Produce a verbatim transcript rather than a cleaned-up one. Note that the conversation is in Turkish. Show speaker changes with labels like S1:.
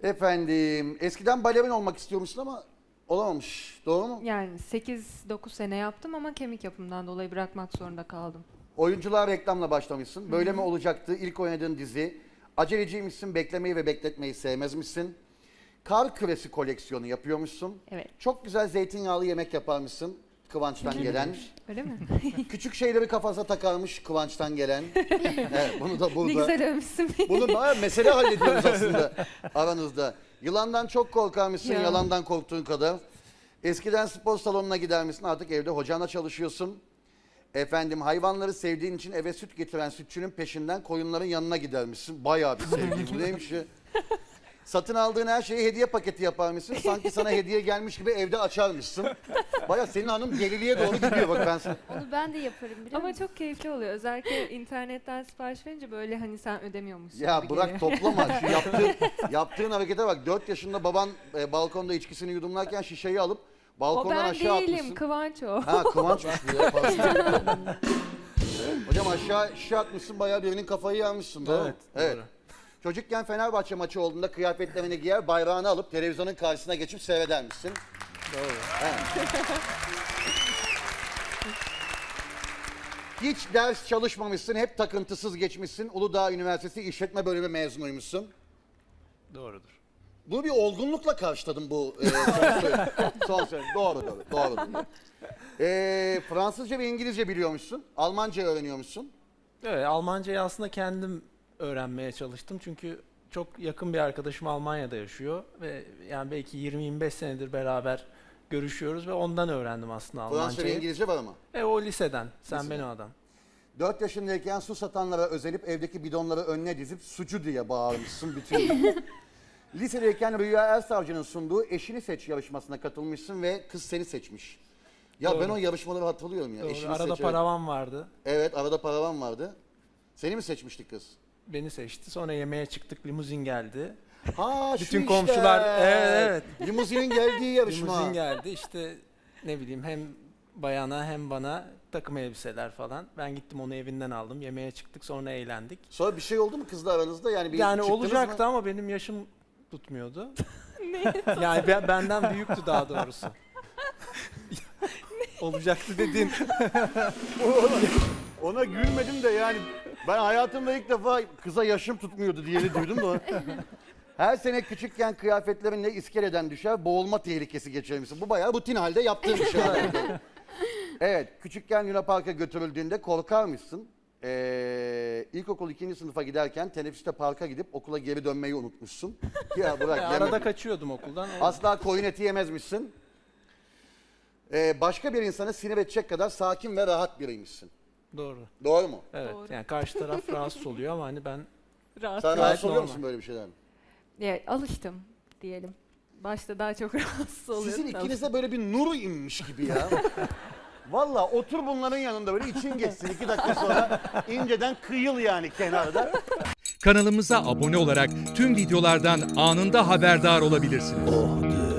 S1: Efendim, eskiden balerin olmak istiyormuşsun ama olamamış. Doğru mu?
S2: Yani sekiz dokuz sene yaptım ama kemik yapımından dolayı bırakmak zorunda kaldım.
S1: Oyunculuğa reklamla başlamışsın. Böyle mi olacaktı? İlk oynadığın dizi. Aceleciymişsin, beklemeyi ve bekletmeyi sevmezmişsin. Kar küresi koleksiyonu yapıyormuşsun.
S2: Evet.
S1: Çok güzel zeytinyağlı yemek yaparmışsın. Kıvanç'tan gelen.
S2: Öyle mi?
S1: Küçük şeyleri kafasına takarmış Kıvanç'tan gelen. Evet, bunu da burada.
S2: Ne güzel övmüşsün beni.
S1: Bunu da mesele hallediyoruz aslında aranızda. Yılandan çok korkarmışsın,
S2: Ya.
S1: yalandan korktuğun kadar. Eskiden spor salonuna gider misin? Artık evde hocanla çalışıyorsun. Efendim hayvanları sevdiğin için eve süt getiren sütçünün peşinden koyunların yanına gidermişsin. Bayağı bir sevgi. Bu neymiş ya? Satın aldığın her şeyi hediye paketi yaparmışsın. Sanki sana hediye gelmiş gibi evde açarmışsın. Bayağı senin hanım deliliğe doğru gidiyor bak ben sana.
S3: Onu ben de yaparım biliyor
S2: Ama
S3: musun?
S2: çok keyifli oluyor. Özellikle internetten sipariş verince böyle hani sen ödemiyormuşsun
S1: Ya
S2: gibi
S1: bırak
S2: geliyor.
S1: toplama. Şu yaptığın, yaptığın harekete bak. dört yaşında baban e, balkonda içkisini yudumlarken şişeyi alıp
S2: O
S1: balkondan
S2: ben
S1: aşağı
S2: değilim,
S1: atmışsın.
S2: Kıvanç o.
S1: Ha Kıvançmış bu ya. pardon. Hocam aşağı şişe atmışsın bayağı birinin kafayı yarmışsın. Doğru.
S4: Evet,
S1: Evet.
S4: doğru.
S1: Çocukken Fenerbahçe maçı olduğunda kıyafetlerini giyer, bayrağını alıp televizyonun karşısına geçip seyredermişsin.
S4: Doğru.
S1: Evet. Hiç ders çalışmamışsın, hep takıntısız geçmişsin. Uludağ Üniversitesi İşletme Bölümü mezunuymuşsun.
S4: Doğrudur.
S1: Bunu bir olgunlukla karşıladım bu e, son söyle. Son söyle. Doğru doğru. Doğru. doğru. E, Fransızca ve İngilizce biliyormuşsun. Almanca öğreniyormuşsun.
S4: Evet, Almancayı aslında kendim öğrenmeye çalıştım. Çünkü çok yakın bir arkadaşım Almanya'da yaşıyor ve yani belki yirmi yirmi beş senedir beraber görüşüyoruz ve ondan öğrendim aslında
S1: Fransızca ve
S4: Almancayı.
S1: İngilizce var ama.
S4: E o liseden, sen
S1: Liseden.
S4: beni adam.
S1: dört yaşındayken su satanlara özenip evdeki bidonları önüne dizip sucu diye bağırmışsın bütün gün. Lisedeyken Rüya Ersavcı'nın sunduğu Eşini Seç yarışmasına katılmışsın ve kız seni seçmiş. Ya
S4: Doğru.
S1: ben o yarışmaları hatırlıyorum ya.
S4: Doğru.
S1: Eşini
S4: Arada
S1: Seç, evet.
S4: paravan vardı.
S1: Evet, arada paravan vardı. Seni mi seçmiştik kız?
S4: Beni seçti. Sonra yemeğe çıktık, limuzin geldi.
S1: Ha şu
S4: Bütün
S1: işte.
S4: komşular- evet,
S1: Limuzinin geldiği yarışma.
S4: Limuzin geldi. İşte ne bileyim hem bayana hem bana takım elbiseler falan. Ben gittim onu evinden aldım. Yemeğe çıktık, sonra eğlendik.
S1: Sonra bir şey oldu mu kızla aranızda? Yani bir
S4: Yani
S1: çıktınız
S4: olacaktı
S1: mı?
S4: ama benim yaşım tutmuyordu. Yani ben- benden büyüktü daha doğrusu. Olacaktı dedin.
S1: Ona gülmedim de yani ben hayatımda ilk defa kıza yaşım tutmuyordu diyeni duydum da. Her sene küçükken kıyafetlerinle iskeleden düşer, boğulma tehlikesi geçirmişsin. Bu bayağı rutin halde yaptığın bir şey. Evet, küçükken Luna Park'a götürüldüğünde korkar mısın? Ee, ilkokul ikinci sınıfa giderken teneffüste parka gidip okula geri dönmeyi unutmuşsun. Ya bırak
S4: Ya
S1: yeme.
S4: arada kaçıyordum okuldan.
S1: Asla koyun eti yemezmişsin. Ee, başka bir insanı sinir edecek kadar sakin ve rahat biriymişsin.
S4: Doğru.
S1: Doğru mu?
S4: Evet.
S2: Doğru.
S4: Yani karşı taraf rahatsız oluyor ama hani ben
S2: Rahat.
S1: Sen
S4: Gayet
S1: rahatsız oluyor
S4: normal.
S1: musun böyle bir şeyden?
S2: Ya, alıştım diyelim. Başta daha çok rahatsız oluyordum.
S1: Sizin
S2: da
S1: ikinize böyle bir nur inmiş gibi ya. Valla otur bunların yanında böyle için geçsin iki dakika sonra inceden kıyıl yani kenarda.
S5: Kanalımıza abone olarak tüm videolardan anında haberdar olabilirsiniz.